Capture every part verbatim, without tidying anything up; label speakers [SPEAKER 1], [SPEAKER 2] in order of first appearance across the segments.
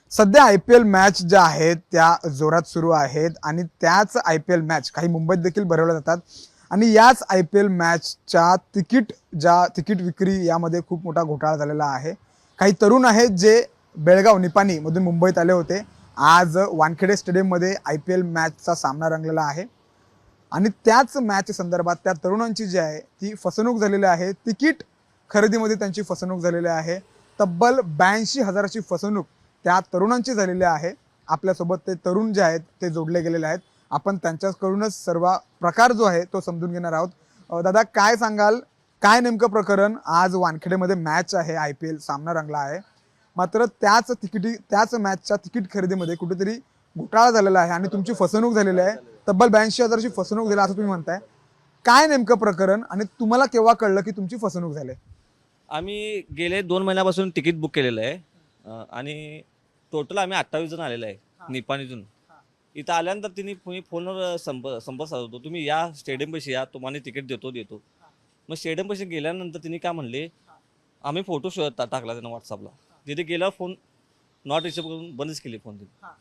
[SPEAKER 1] सध्या I P L match ज्या आहेत त्या जोरात सुरू आहेत आणि त्याच आय पी एल मॅच काही मुंबईत देखील भरवल्या जातात आणि याच आय पी एल मॅचच्या तिकीट ज्या तिकीट विक्री यामध्ये खूप मोठा घोटाळा झालेला आहे. काही तरुण आहेत जे बेळगाव निपाणीमधून मुंबईत आले होते. आज वानखेडे स्टेडियममध्ये आय पी एल मॅचचा सामना रंगलेला आहे आणि त्याच मॅच संदर्भात त्या तरुणांची जी आहे ती फसवणूक झालेली आहे. तिकीट खरेदीमध्ये त्यांची फसवणूक झालेली आहे. तब्बल ब्याऐंशी हजाराची फसवणूक त्या तरुणांची झालेली आहे. आपल्यासोबत ते तरुण जे आहेत ते जोडले गेलेले आहेत. आपण त्यांच्याकडूनच सर्व प्रकार जो आहे तो समजून घेणार आहोत. अ, दादा काय सांगाल, काय नेमकं प्रकरण? आज वानखेडेमध्ये मॅच आहे, आय पी एल सामना रंगला आहे, मात्र त्याच तिकिटी त्याच मॅचच्या तिकीट खरेदीमध्ये कुठेतरी घोटाळा झालेला आहे आणि तुमची फसवणूक झालेली आहे. तब्बल ब्याऐंशी हजाराची फसवणूक झाली असं तुम्ही म्हणताय. काय नेमकं प्रकरण आणि तुम्हाला केव्हा कळलं की तुमची फसवणूक झाली?
[SPEAKER 2] आम्ही गेले दोन महिन्यापासून तिकीट बुक केलेलं आहे अ, आणि टोटल आम्ही अठ्ठावीस जण आलेलो आहे निपाणीतून. इथं आल्यानंतर तिने तुम्ही फोनवर संप संपर्क साधतो, तुम्ही या स्टेडियमपाशी या, तुम्हाला तिकीट देतो देतो मग स्टेडियमपाशी गेल्यानंतर तिने काय म्हणले, आम्ही फोटो शोधत टा- टाकला त्यांना व्हॉट्सअपला. तिथे गेल्यावर फोन नॉट रिसिव्ह करून बंदच केली फोन तिने.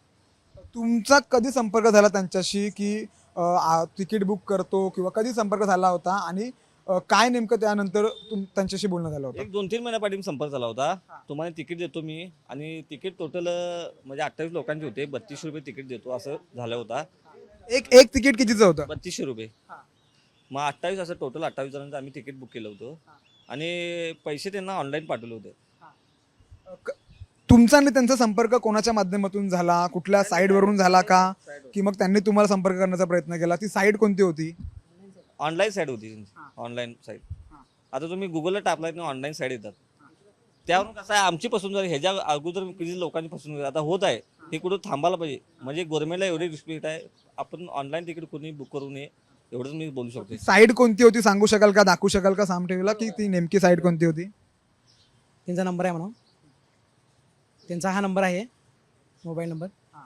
[SPEAKER 1] तुमचा कधी संपर्क झाला त्यांच्याशी की अ, आ, तिकीट बुक करतो किंवा कधी संपर्क झाला होता आणि अ, काय नेमकं त्यानंतर तुम त्यांच्याशी बोलणं झालं होतं?
[SPEAKER 2] एक दोन तीन महिन्यापाठी संपर्क झाला होता. तुम्हाला तिकीट देतो मी आणि तिकीट टोटल म्हणजे अठ्ठावीस लोकांचे होते, बत्तीसशे रुपये तिकीट देतो असं झालं होता.
[SPEAKER 1] एक एक तिकीट कितीचं होतं?
[SPEAKER 2] बत्तीसशे रुपये. मग अठ्ठावीस असं टोटल अठ्ठावीस जणांचं आम्ही तिकीट बुक केलं होतं आणि पैसे त्यांना ऑनलाईन पाठवले होते.
[SPEAKER 1] क- तुमचा आणि त्यांचा संपर्क कोणाच्या माध्यमातून झाला? कुठल्या साईडवरून झाला का? की मग त्यांनी तुम्हाला संपर्क करण्याचा प्रयत्न केला? ती साईड कोणती होती?
[SPEAKER 2] ऑनलाईन साईड होती त्यांची, ऑनलाईन साईड. आता तुम्ही गुगलला टाकलाय ना, ऑनलाईन साईड येतात. त्यावरून कसं आहे, आमची फसवणूक झाली. ह्याच्या अगोदर किती लोकांची फसवणूक झाली, आता होत आहे. हे कुठं थांबायला पाहिजे. म्हणजे गव्हर्नमेंटला एवढी रिस्पेक्ट आहे, आपण ऑनलाईन तिकीट कोणी बुक करू नये एवढंच मी बोलू शकतो.
[SPEAKER 1] साईड कोणती होती सांगू शकाल का? दाखवू शकाल का साम टीव्हीला की ती नेमकी साईड कोणती होती?
[SPEAKER 3] त्यांचा नंबर आहे म्हणून, त्यांचा हा नंबर आहे, मोबाईल नंबर.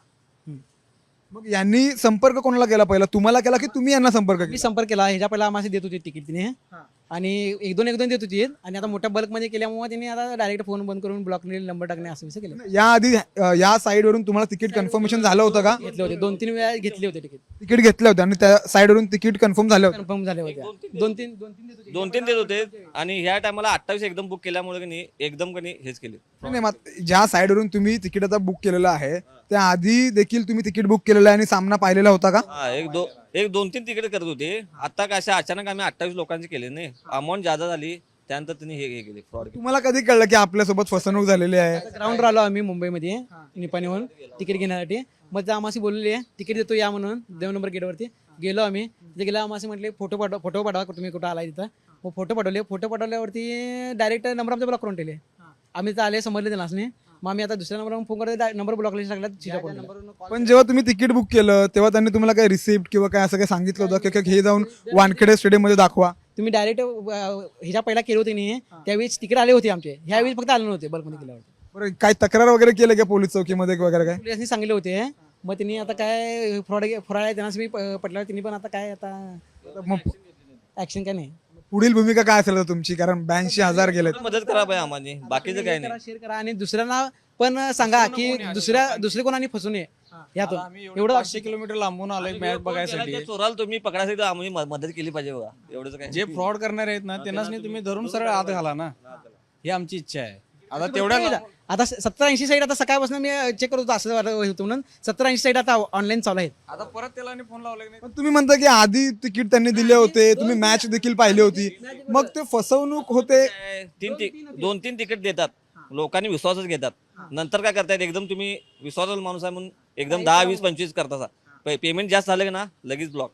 [SPEAKER 1] मग यांनी संपर्क कोणाला केला पहिला? तुम्हाला केला की तुम्ही यांना संपर्क
[SPEAKER 3] मी
[SPEAKER 1] केला?
[SPEAKER 3] संपर्क केला. ह्याच्या पहिला आम्हाला देत होते तिकीट तिने, आणि एक दोन एक दोन देत होती आणि आता मोठ्या बल्कमध्ये केल्यामुळे त्यांनी आता डायरेक्ट फोन बंद करून ब्लॉक नंबर टाकणे असं विषय केलं.
[SPEAKER 1] याआधी अ, या साईडवरून तुम्हाला तिकीट कन्फर्मेशन झालं होतं का?
[SPEAKER 3] घेतले होते, दोन तीन वेळा घेतले होते तिकीट,
[SPEAKER 1] तिकीट घेतलं होतं आणि त्या साईडवरून तिकीट कन्फर्म झालं होतं?
[SPEAKER 3] कन्फर्म झाले होते. दोन तीन दोन तीन देत होते.
[SPEAKER 2] दोन तीन देत होते आणि ह्या टायमाला अठ्ठावीस एकदम बुक केल्यामुळे की नाही, एकदम की नाही हेच केले.
[SPEAKER 1] नाही, मग ज्या साईडवरून तुम्ही तिकीट आता बुक केलेलं आहे त्या आधी देखील तुम्ही तिकीट बुक केलेलं आहे आणि सामना पाहिलेला होता का?
[SPEAKER 2] हा, एक दो एक दोन तीन तिकीट करत होते. आता काय अशा अचानक आम्ही अठ्ठावीस लोकांचे केले नाही, अमाऊंट जादा झाली, त्यानंतर त्यांनी हे हे केले, फ्रॉड केले.
[SPEAKER 1] तुम्हाला कधी कळलं की आपल्यासोबत फसवणूक झालेली आहे?
[SPEAKER 3] ग्राउंडवर आलो आम्ही मुंबईमध्ये निपाणीहून तिकीट घेण्यासाठी. मग ते आम्हाला बोलले तिकीट देतो या म्हणून, दोन नंबर गेटवरती गेलो आम्ही. तिथे गेला आम्हाला म्हटले फोटो पाठवा, फोटो पाठवा तुम्ही कुठं आलाय तिथं. मग फोटो पाठवले. फोटो पाठवल्यावरती डायरेक्ट नंबर आमचा ब्लॉक करून ठेवले. आम्ही तर आले समजले त्यांना असणे. मग आम्ही आता दुसऱ्या नंबरवरून फोन करतो, नंबर ब्लॉक लिस्ट टाकला.
[SPEAKER 1] पण जेव्हा तुम्ही तिकीट बुक केलं तेव्हा त्यांनी तुम्हाला काही रिसिप्ट किंवा काय असं काही सांगितलं होतं की हे जाऊन वानखेडे स्टेडियम मध्ये दाखवा?
[SPEAKER 3] तुम्ही डायरेक्ट ह्याच्या पहिला केले होते नाही, त्यावेळेस तिकीट आले होते आमचे, ह्यावेळेस फक्त आले नव्हते बल्कमध्ये गेल्यावर.
[SPEAKER 1] बरं, काय तक्रार वगैरे केलं का पोलीस चौकीमध्ये वगैरे काय?
[SPEAKER 3] पोलिसांनी सांगितले होते. मग त्यांनी आता काय फ्रॉड फ्रॉड आहे त्यांना मी पटलं, त्यांनी पण आता काय आता
[SPEAKER 1] मग
[SPEAKER 3] ऍक्शन काय नाही.
[SPEAKER 1] पुढील भूमिका काय असेल आता तुमची? कारण ब्याऐंशी हजार गेलेत.
[SPEAKER 2] मदत करा पाहिजे आम्हाला, बाकीचं काय नाही.
[SPEAKER 3] शेअर करा आणि दुसऱ्यांना पण सांगा की दुसऱ्या दुसरे कोणाने फसू नये यातून. एवढं
[SPEAKER 4] पाचशे किलोमीटर लांबून आलोय मॅच बघायसाठी.
[SPEAKER 2] जे चोराला तुम्ही पकडायसाठी आम्ही म- मदत केली पाहिजे बघा, एवढंच काय.
[SPEAKER 4] जे फ्रॉड करणारे आहेत ना त्यांनाच नाही तुम्ही धरून सरळ आत घाला ना, ही आमची इच्छा आहे. आता तेवढ्या
[SPEAKER 3] आता सत्तर ऐंशी साईड आता सकाळपासून मी चेक करत होतो असं होतं म्हणून. सत्तर ऐंशी साईड आता ऑनलाईन चालू आहेत.
[SPEAKER 4] आता परत त्याला फोन लावला की नाही.
[SPEAKER 1] पण तुम्ही म्हणता की आधी तिकीट त्यांनी दिले होते, तुम्ही मॅच देखील पाहिली होती, मग ते फसवणूक होते?
[SPEAKER 2] तीन ति- दोन तीन तिकीट देतात, लोकांनी विश्वासच घेतात. नंतर काय करतायत, एकदम तुम्ही विश्वासाचा माणूस आहे म्हणून एकदम दहा वीस पंचवीस करता, पेमेंट जास्त झालं की ना लगेच ब्लॉक.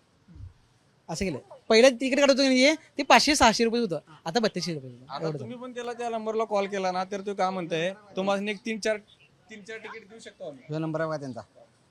[SPEAKER 3] असं केलं. पहिलं तिकीट काढत होतो की नाही, ते पाचशे सहाशे रुपये होतं, आता बत्तीसशे रुपये होतं.
[SPEAKER 4] आता तुम्ही पण त्याला त्या नंबरला कॉल केला ना तर तो काय म्हणताय, तुम्हाला एक तीन चार तीन चार तिकीट देऊ शकतो आम्ही.
[SPEAKER 5] जो नंबर आहे त्यांचा,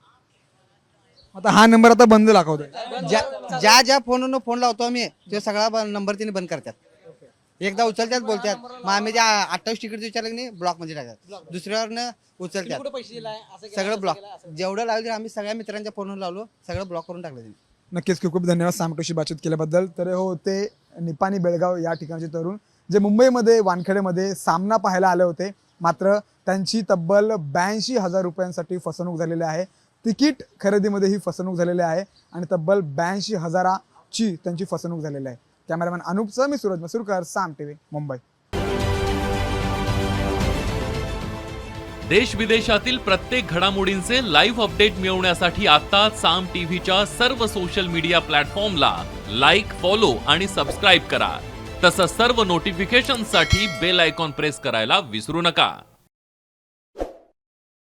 [SPEAKER 1] आता हा नंबर आता बंद दाखवतोय.
[SPEAKER 5] ज्या ज्या ज्या फोनवरून फोन लावतो आम्ही ते सगळा नंबर तिने बंद करतात. एकदा उचलतात बोलतात, मग आम्ही त्या अठ्ठावीस तिकीट विचारलं की नाही ब्लॉक मध्ये टाकतात. दुसऱ्यावरनं उचलतात,
[SPEAKER 3] कुठं पैसे दिलाय असं केलं,
[SPEAKER 5] सगळं
[SPEAKER 3] असं
[SPEAKER 5] ब्लॉक.
[SPEAKER 3] केलं, असं
[SPEAKER 5] जेवढं लावलं आम्ही सगळ्या मित्रांच्या फोनवर लावलो, सगळं ब्लॉक करून टाकलं त्यांनी.
[SPEAKER 1] नक्कीच खूप खूप धन्यवाद सामटोशी बातचीत केल्याबद्दल. तर हे होते निपाणी बेळगाव या ठिकाणचे तरुण जे मुंबईमध्ये वानखेडेमध्ये सामना पाहायला आले होते मात्र त्यांची तब्बल ब्याऐंशी हजार रुपयांसाठी फसवणूक झालेली आहे. तिकीट खरेदीमध्ये ही फसवणूक झालेली आहे आणि तब्बल ब्याऐंशी हजाराची त्यांची फसवणूक झालेली आहे. कॅमेरामॅन अनुपचं मी सूरज मसूरकर, साम टीव्ही, मुंबई.
[SPEAKER 6] देश विदेशातील प्रत्येक घडामोडींचे लाईव्ह अपडेट मिळवण्यासाठी आता साम टीव्हीच्या सर्व सोशल मीडिया प्लॅटफॉर्मला लाईक, फॉलो आणि सबस्क्राईब करा. तसंच सर्व नोटिफिकेशनसाठी बेल आयकॉन प्रेस करायला विसरू नका.